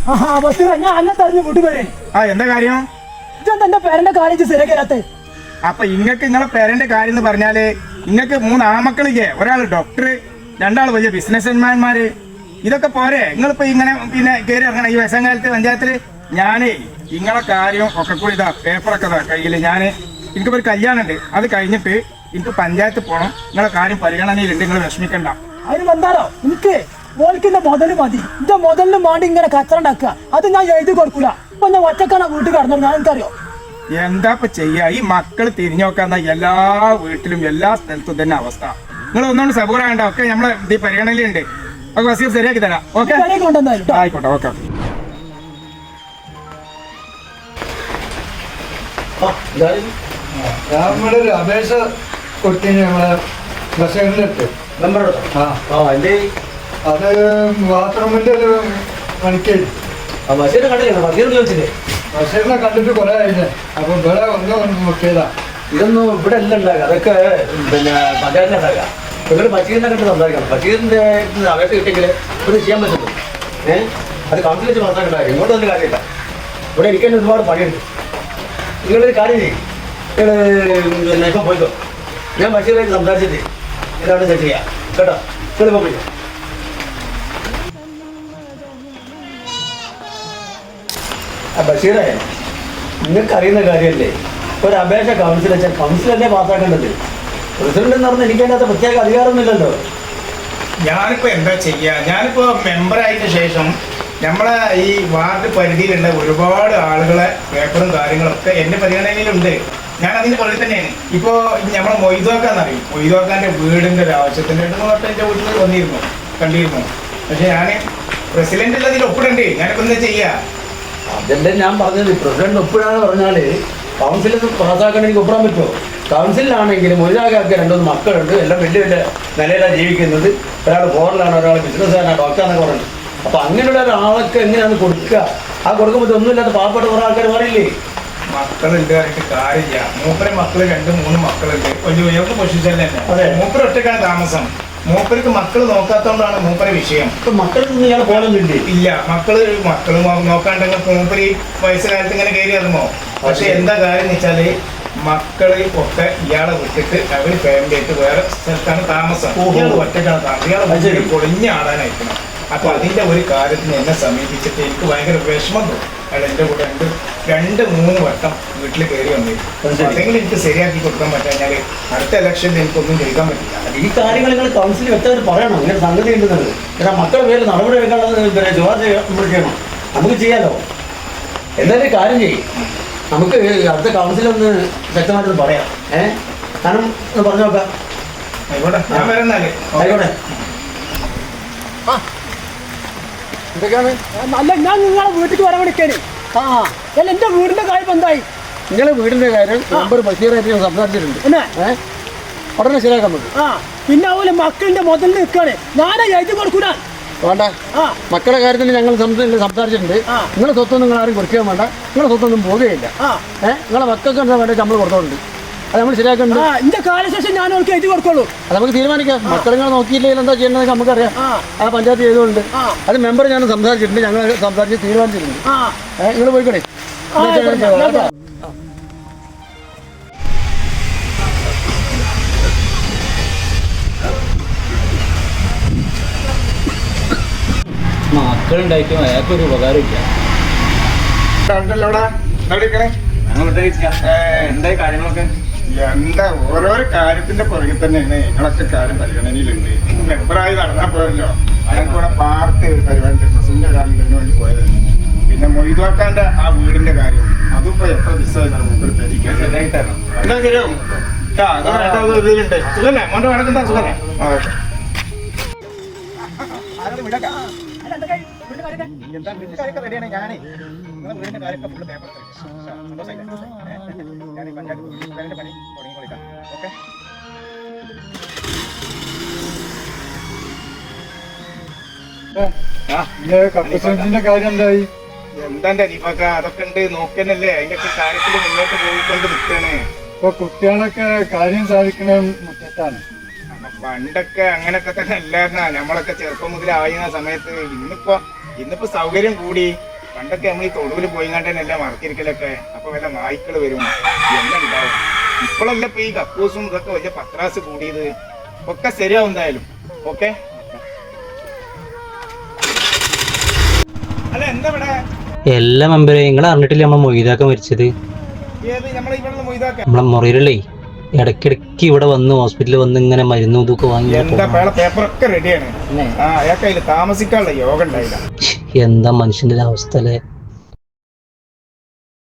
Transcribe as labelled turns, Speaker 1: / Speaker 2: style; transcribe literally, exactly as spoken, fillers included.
Speaker 1: ഞാൻ അന്നെ തറഞ്ഞു കൂട്ടുപോയി.
Speaker 2: ആ എന്താ കാര്യം?
Speaker 1: എന്റെ പേരന്റെ കാര്യം ശരിയാക്കാത്ത.
Speaker 2: അപ്പൊ ഇങ്ങക്ക് നിങ്ങളെ പേരന്റെ കാര്യം എന്ന് പറഞ്ഞാല് ഇങ്ങക്ക് മൂന്ന് ആമക്കളില്ലേ? ഒരാൾ ഡോക്ടർ, രണ്ടാൾ വലിയ ബിസിനസ്മാൻമാര്. ഇതൊക്കെ പോരെ? നിങ്ങളിപ്പോ ഇങ്ങനെ പിന്നെ കയറി ഇറങ്ങണം ഈ വയസ്സാകാലത്ത് പഞ്ചായത്തില്. ഞാനേ നിങ്ങളെ കാര്യം ഒക്കെ കൂടി ഇതാ പേപ്പറൊക്കെ ഇതാ കയ്യില്. ഞാന് എനിക്കിപ്പോ ഒരു കല്യാണം ഉണ്ട്, അത് കഴിഞ്ഞിട്ട് എനിക്ക് പഞ്ചായത്ത് പോകണം. നിങ്ങളെ കാര്യം പരിഗണനയിലുണ്ട്, നിങ്ങൾ വിഷമിക്കണ്ട.
Speaker 1: അതിന് വന്നാലോ എനിക്ക് ഓൽക്കിന്റെ മുതല് മതി. എന്റെ മുതലിന് വേണ്ടി ഇങ്ങനെ കച്ചറ ഉണ്ടാക്കുക, അത് ഞാൻ എഴുതി കൊടുക്കൂല. ഇപ്പൊ ഞാൻ ഒറ്റക്കാണ് വീട്ടിൽ കടന്നു. ഞാൻ എനിക്കറിയോ
Speaker 2: എന്താ ഇപ്പൊ ചെയ്യാ? ഈ മക്കൾ തിരിഞ്ഞു നോക്കാന്ന എല്ലാ വീട്ടിലും എല്ലാ സ്ഥലത്തും തന്നെ അവസ്ഥ. നിങ്ങൾ ഒന്നുകൊണ്ട് സബൂറാകണ്ട, ഒക്കെ നമ്മളെ ഈ പരിഗണനയിലുണ്ട്. ഒക്കെ വസീർ ശരിയാക്കി തരാം. ഓക്കെ ആയിക്കോട്ടെ. ഓക്കെ
Speaker 3: നമ്മളൊരു അപേക്ഷ കൊടുത്തിന് നമ്മളെ ബസ്സേറിലെടുത്ത് അത് ബാത്റൂമിന്റെ ഒരു പണിക്ക് ബഷീറിനെ കണ്ടിട്ട് കുറെ കഴിഞ്ഞ്. അപ്പൊ ഇവിടെ ഒന്ന് നോക്കിയതാ.
Speaker 4: ഇതൊന്നും ഇവിടെ അല്ല ഉണ്ടാക്കുക, അതൊക്കെ പിന്നെ പഞ്ചായത്തിലുണ്ടാക്കുക. ഇവിടെ ബഷീറിനെ കണ്ട് സംസാരിക്കണം. ബഷീറിന്റെ അപേക്ഷ കിട്ടിയെങ്കിൽ ഇത് ചെയ്യാൻ പറ്റുള്ളൂ. ഏഹ് അത് കൗൺസിൽ വെച്ച് മനസ്സിലാക്കണ്ടായി. ഇങ്ങോട്ട് ഒന്നും കാര്യമില്ല. ഇവിടെ ഇരിക്കാൻ ഒരുപാട് പണിയുണ്ട്. നിങ്ങളൊരു കാര്യം ചെയ്യും, നിങ്ങൾ പിന്നെ ഇപ്പം പോയിക്കോ. ഞാൻ ബഷീറായിട്ട് സംസാരിച്ചിട്ട് ഇതാണ് സെറ്റ് ചെയ്യാം കേട്ടോ. നിങ്ങളിപ്പോൾ പോയിക്കോ. ആ ബഷീറേ, നിങ്ങൾക്ക് അറിയുന്ന കാര്യമല്ലേ, ഒരു അപേക്ഷ കൗൺസിൽ വെച്ചാൽ കൗൺസിലല്ലേ പാസ്സാക്കേണ്ടത്. പ്രസിഡന്റ് എന്ന് പറഞ്ഞാൽ എനിക്കതിനകത്ത് പ്രത്യേക അധികാരമൊന്നുമില്ലല്ലോ.
Speaker 2: ഞാനിപ്പോ എന്താ ചെയ്യാ? ഞാനിപ്പോ മെമ്പറായതിനു ശേഷം നമ്മളെ ഈ വാർഡ് പരിധിയിലുള്ള ഒരുപാട് ആളുകളെ പേപ്പറും കാര്യങ്ങളൊക്കെ എന്റെ പരിഗണനയിലുണ്ട്. ഞാൻ അതിന്റെ പുറകിൽ തന്നെയാണ്. ഇപ്പോ നമ്മളെ മൊയ്തോക്കാന്നറിയും, മൊയ്തോക്കാന്റെ വീടിന്റെ ഒരു ആവശ്യത്തിന് രണ്ട് മൂന്ന് വട്ടം എന്റെ വീട്ടിൽ വന്നിരുന്നു, കണ്ടിരുന്നു. പക്ഷെ ഞാൻ പ്രസിഡന്റ് ഉള്ളതിൽ ഒപ്പിടണ്ടേ? ഞാനിപ്പോ എന്താ ചെയ്യാ?
Speaker 4: അതല്ലേ ഞാൻ പറഞ്ഞത്. പ്രസിഡന്റ് ഒപ്പിടാന്ന് പറഞ്ഞാല് കൗൺസിലിൽ പാസ്സാക്കാൻ എനിക്ക് ഒപ്പിടാൻ പറ്റുമോ? കൗൺസിലാണെങ്കിലും ഒരാൾക്ക് രണ്ടുമൂന്ന് മക്കളുണ്ട്, എല്ലാം വലിയ വലിയ നിലയിലാണ് ജീവിക്കുന്നത്. ഒരാൾ ഫോറിലാണ്, ഒരാൾ ബിസിനസ്സുകാരനാണ്, ഡോക്ടറാന്നൊക്കെ പറഞ്ഞു. അപ്പൊ അങ്ങനെയുള്ള ഒരാൾക്ക് എങ്ങനെയാണ് കൊടുക്കുക? ആ കൊടുക്കുമ്പോൾ ഒന്നുമില്ലാത്ത പാവപ്പെട്ട കുറെ ആൾക്കാർ പറയില്ലേ
Speaker 2: മക്കളുണ്ട് പറഞ്ഞിട്ട് കാര്യമില്ല. മൂപ്പരെ മക്കള് രണ്ട് മൂന്ന് മക്കളുണ്ട്, വലിയ ഉയർന്ന പൊസിഷനിൽ തന്നെ. മൂപ്പര ഒറ്റക്കാണ് താമസം. മൂപ്പർക്ക് മക്കള് നോക്കാത്തോണ്ടാണ് മൂപ്പര വിഷയം.
Speaker 4: ഇപ്പൊ മക്കൾക്ക് ഇയാൾ പോലൊന്നുമില്ലേ?
Speaker 2: ഇല്ല, മക്കള് മക്കള് നോക്കാണ്ടെങ്കിൽ മൂപ്പര് വയസ്സുകാലത്ത് ഇങ്ങനെ കയറി ഇറങ്ങോ? പക്ഷെ എന്താ കാര്യം എന്ന് വെച്ചാല് മക്കള് ഒക്കെ ഇയാളെ വിട്ടിട്ട് അവര് ഫാമിലി ആയിട്ട് വേറെ സ്ഥലത്താണ് താമസം. ഇയാൾ ഒറ്റക്കാണ് താമസം. ഇയാളെ പൊളിഞ്ഞ ആടാനായിരിക്കണം. അപ്പൊ അതിന്റെ ഒരു കാര്യത്തിന് എന്നെ സമീപിച്ചിട്ട് എനിക്ക് ഭയങ്കര വിഷമം തോന്നും. അയാൾ എന്റെ കൂടെ രണ്ട് രണ്ട് മൂന്ന് വട്ടം വീട്ടിൽ കയറി വന്നിരുന്നു. അതെങ്കിലും എനിക്ക് ശരിയാക്കി കൊടുക്കാൻ പറ്റാഞ്ഞാല് അടുത്ത ഇലക്ഷനിൽ എനിക്കൊന്നും ചെയ്യിക്കാൻ പറ്റില്ല.
Speaker 4: ഈ കാര്യങ്ങൾ നിങ്ങൾ കൗൺസിൽ വ്യക്തമായിട്ട് പറയണം. ഇങ്ങനെ സംഗതി ഉണ്ടെന്നത് കാരണം മക്കളുടെ പേര് നടപടി എടുക്കാനുള്ളത് പിന്നെ ശുപാർശ നമ്മൾ ചെയ്യണം. നമുക്ക് ചെയ്യാലോ. എന്തായാലും കാര്യം ചെയ്യും, നമുക്ക് അടുത്ത കൗൺസിലൊന്ന് വ്യക്തമായിട്ടൊന്ന് പറയാം. ഏഹ് കാരണം ഒന്ന് പറഞ്ഞു നോക്കാം.
Speaker 2: ആയിക്കോട്ടെ, ഞാൻ വരുന്നാല്.
Speaker 4: ആയിക്കോട്ടെ.
Speaker 1: എന്തൊക്കെയാണ്? അല്ല, ഞാൻ നിങ്ങളെ വീട്ടിലേക്ക് വരാൻ വിളിക്കാന്. ആ അല്ല, എന്റെ വീടിന്റെ കാര്യം എന്തായി?
Speaker 3: നിങ്ങളെ വീടിന്റെ കാര്യം നമ്പർ ബഷീറായിട്ട് ഞാൻ സംസാരിച്ചിട്ടുണ്ട്. ഏഹ് ഉടനെ ശരിയാക്കാൻ പറ്റും.
Speaker 1: ആ പിന്നെ അതുപോലെ മക്കളിന്റെ മുതലിൽ നിൽക്കാണ്. ഞാനാ എഴുതി കൊടുക്കൂല.
Speaker 3: വേണ്ട, മക്കളുടെ കാര്യത്തിൽ ഞങ്ങൾ സംസാരിച്ചിട്ടുണ്ട്. നിങ്ങളെ സ്വത്തൊന്നും നിങ്ങൾ ആരും കൊടുക്കാൻ വേണ്ട. നിങ്ങളെ സ്വത്തൊന്നും പോവുകയില്ല. ഏഹ് നിങ്ങളെ മക്കൾക്ക് എന്താ വേണ്ടത് നമ്മൾ കൊടുത്തോണ്ട് അത് നമ്മൾ ശരിയാക്കുന്നുണ്ട്.
Speaker 1: എന്റെ കാലശേഷം ഞാൻ അവർക്ക് എഴുതി കൊടുക്കുള്ളൂ.
Speaker 3: അത് നമുക്ക് തീരുമാനിക്കാം. മക്കളെ നോക്കിയില്ലെങ്കിൽ എന്താ ചെയ്യേണ്ടത് നമുക്കറിയാം. ആ പഞ്ചായത്ത് ചെയ്തുകൊണ്ട് അത് മെമ്പർ ഞാൻ സംസാരിച്ചിട്ടുണ്ട്. ഞങ്ങൾ സംസാരിച്ച് തീരുമാനിച്ചിട്ടുണ്ട്. ഏഹ് നിങ്ങൾ പോയിക്കോട്ടെ.
Speaker 4: മക്കളുണ്ടായിട്ടും അയാൾക്കൊരു ഉപകാരമില്ല.
Speaker 2: എന്തായി കാര്യങ്ങളൊക്കെ? എന്താ ഓരോരോ കാര്യത്തിന്റെ പുറകിൽ തന്നെയാണ് നിങ്ങളൊക്കെ കാര്യം പരിഗണനയിലുണ്ട്. മെമ്പറായി നടന്നാൽ പോയല്ലോ. ഞങ്ങൾക്കിവിടെ പാർട്ടി ഒരു പരിപാടി പ്രസിഡന്റ് ഒരാളിന് വേണ്ടി പോയതാണ്. പിന്നെ മൊയ്തോക്കാന്റെ ആ വീടിന്റെ കാര്യം അതും ഇപ്പൊ എത്ര ദിവസമായിട്ടാണ് മുമ്പ് തെരിക്കാൻ ശരിയായിട്ടാണ്. എന്താ ശരിയാവും ഇതിലുണ്ട്. സുഖല്ലേ? മോന്റെ വടക്കെന്താ സുഖല്ലേ? എന്താ വീടിന്റെ കാര്യമൊക്കെ റെഡിയാണ്. ഞാനേ നിങ്ങളെ വീടിന്റെ കാര്യമൊക്കെ ഫുള്ള് പേപ്പർ ഞാൻ ഈ പഞ്ചായത്ത് വീടിന്റെ പണി തുടങ്ങിക്കൊടുക്കാം. ഓക്കെ,
Speaker 3: കാര്യം എന്തായി?
Speaker 2: എന്താ ദീപക്ക, അതൊക്കെ ഉണ്ട് നോക്കന്നല്ലേ. അതിന്റെ ഒക്കെ കാര്യത്തിൽ മുന്നോട്ട് പോയിക്കൊണ്ട് നിൽക്കാണ്.
Speaker 3: ഇപ്പൊ കുട്ടികളൊക്കെ കാര്യം സാധിക്കണ മുറ്റത്താണ്.
Speaker 2: പണ്ടൊക്കെ അങ്ങനൊക്കെ തന്നെ അല്ലായിരുന്ന നമ്മളൊക്കെ ചെറുപ്പം മുതൽ ആയിരുന്ന സമയത്ത്. ഇന്നിപ്പോ ഇന്നിപ്പോ സൗകര്യം കൂടി പണ്ടൊക്കെ നമ്മൾ ഈ തൊടുവിൽ പോയി കണ്ടല്ല മറക്കിരിക്കലൊക്കെ, അപ്പൊ വല്ല നായ്ക്കള് വരും എല്ലാം ഉണ്ടാവും. ഇപ്പോഴല്ല ഇപ്പൊ ഈ കക്കൂസും ഇതൊക്കെ വലിയ പത്രാസ് കൂടിയത്. ഒക്കെ ശരിയാവും എന്തായാലും. ഓക്കെ അല്ല എന്താ ഇവിടെ
Speaker 5: എല്ലാ മെമ്പറെ നിങ്ങൾ അറിഞ്ഞിട്ടില്ലേ നമ്മളെ മൊയ്താക്ക മരിച്ചത്?
Speaker 2: ഏത് നമ്മളെ ഇവിടെ മൊയ്താക്ക
Speaker 5: നമ്മളെ മുറിയിലല്ലേ ഇടയ്ക്കിടയ്ക്ക് ഇവിടെ വന്ന് ഹോസ്പിറ്റലിൽ വന്ന് ഇങ്ങനെ മരുന്നും ഇതൊക്കെ വാങ്ങി
Speaker 2: എന്താ പേപ്പറൊക്കെ റെഡിയാണ്. ആ അയാൾക്ക് അതിൽ താമസിക്കാനുള്ള യോഗം ഉണ്ടായില്ല.
Speaker 5: എന്താ മനുഷ്യന്റെ ഒരു അവസ്ഥ അല്ലേ?